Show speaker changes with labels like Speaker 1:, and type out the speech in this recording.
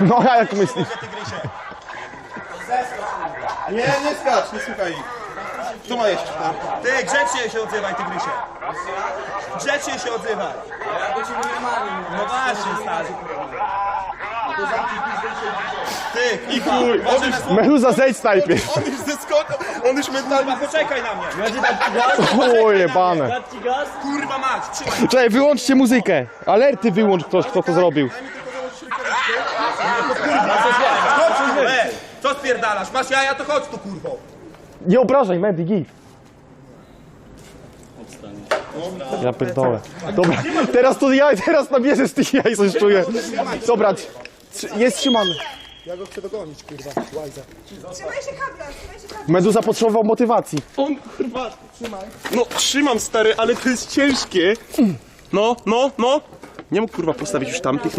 Speaker 1: No a jak myślisz?
Speaker 2: Nie skacz, nie słuchaj ich. Co ma jeszcze?
Speaker 3: Ty, grzecznie się odzywaj, tygrysie. Grzecznie się odzywaj. No właśnie, stary. Ty,
Speaker 2: I chuj,
Speaker 1: Meduza, zejdź najpierw.
Speaker 2: on już zeskoczył, on już mentalnie...
Speaker 3: poczekaj na mnie.
Speaker 1: O, jebane.
Speaker 3: Kurwa mać, trzymaj.
Speaker 1: Czekaj, wyłączcie muzykę. Alerty wyłącz ktoś, kto to zrobił.
Speaker 3: Co spierdalasz? Masz jaja, to chodź tu, kurwo.
Speaker 1: Nie obrażaj, Medi, git. Ja pierdolę. Dobra, teraz nabierze z tych jaj, coś czuję. Dobra, jest trzymany.
Speaker 2: Ja go chcę dogonić, kurwa, łajza.
Speaker 4: Trzymaj się kabla, trzymaj się kabla.
Speaker 1: Meduza potrzebował motywacji.
Speaker 2: On, kurwa, trzymaj. No, trzymam, stary, ale to jest ciężkie. No. Nie mógł, kurwa, postawić już tamtych.